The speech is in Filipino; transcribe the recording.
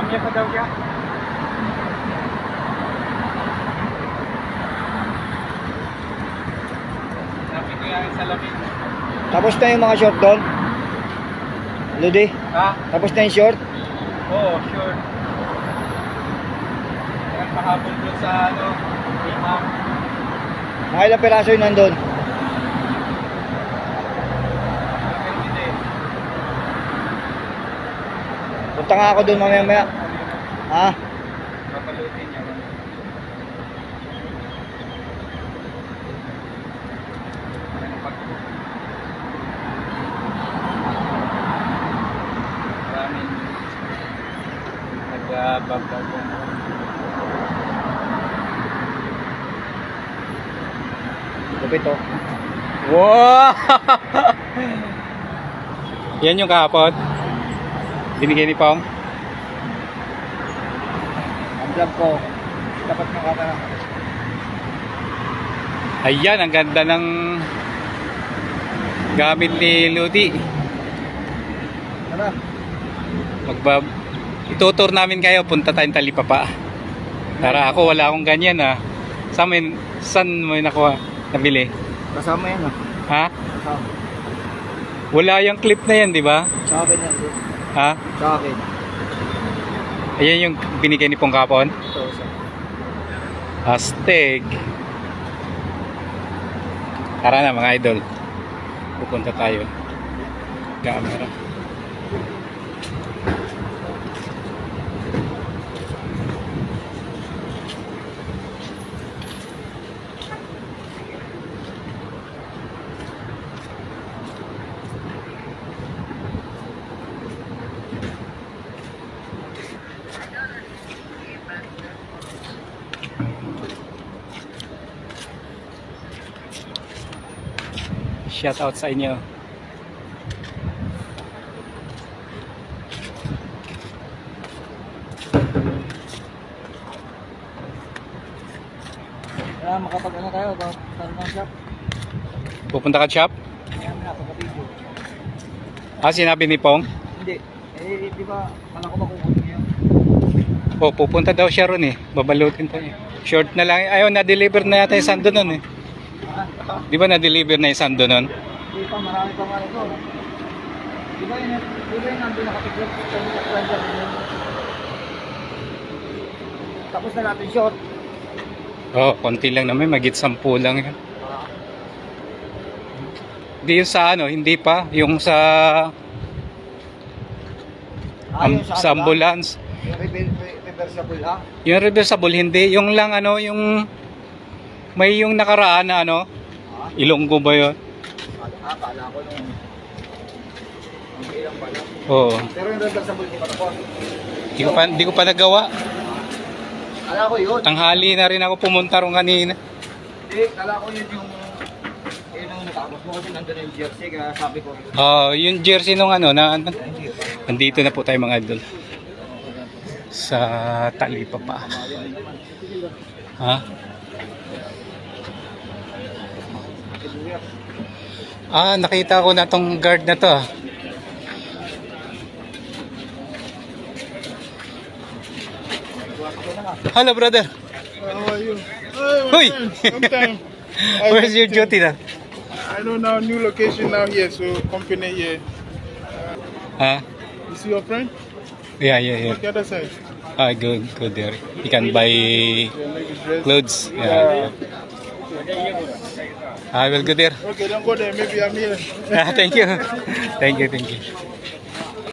niya pa daw siya. Sabi ko yan sa lamin. Tapos na yung mga short doon? Lodi? Ha? Tapos na yung short? Oo, sure. Yan kahapon doon sa ano, imam. Mga ilang piraso yun nandun? Hindi. Punta nga ako doon mamaya-maya. Ha? Papalutin niya. Maraming nagbabagbagan. Lupit oh. Wow! Yan yung kahapon. Binigay ni Pong. Ang vlog ko. Dapat ng camera. Ayan, ang ganda ng gamit ni Ludi. Tara. Itutur namin kayo, punta tayong Talipapa. Tara, ako wala akong ganyan ah. Saan mo nakuha? Nabili? Kasama yan ah. Ha? Kasama. Wala yung clip na yan, di ba? Sa akin yan. Ha? Sa akin. Ayan yung binigay ni Pong kapon. Ito sa. Astig. Tara na mga idol. Pupunta tayo. Camera. Shout out sa inyo. Kaya makapag-ano tayo. Saan ng shop? Pupunta ka shop? Kaya na pagka-video. Ah, sinabi ni Pong? Hindi. Eh, di ba, kala ko makukunin niya. Oh, pupunta daw siya ron eh. Babalutin tayo. Short na lang. Ayaw, na-deliver na yata yung sando nun eh. Di ba na-deliver na yung sando nun? Hindi pa, marami pa nga ito. Di ba yun nandun nakatiklop sa stranger yun? Tapos na natin short. Oh, konti lang naman. Magit 10 lang yan. Hindi yung sa ano, hindi pa. Yung sa sa ambulance. Yung reversible ha? Yung reversible, hindi. Yung lang ano, yung may yung nakaraan na ano. Ilonggo ba yun? Kala ko nung ang ilang pala. Oo. Pero yung reversible di pa tapos. Hindi ko pa nagawa. Kala ko yun. Tanghali na rin ako pumunta ron kanina. Hindi, kala ko yun yung natapos mo kasi nandun yung jersey kaya sabi ko. Oh, yung jersey nung ano na nandito na po tayo mga idol. Sa Talipapa. Ha? Ah, nakita ko na tong guard na to. Ah. Hello, brother. How are you? Hoy! Long time. Where's your duty na? I know now new location now here, so company here. Ha? You see your friend? Yeah, yeah, yeah. Look the other side. Ah, good there. You can buy Yeah, make his dress. clothes. Yeah. I will go there. Okay, don't go there. Maybe I'm here. Thank you. Thank you.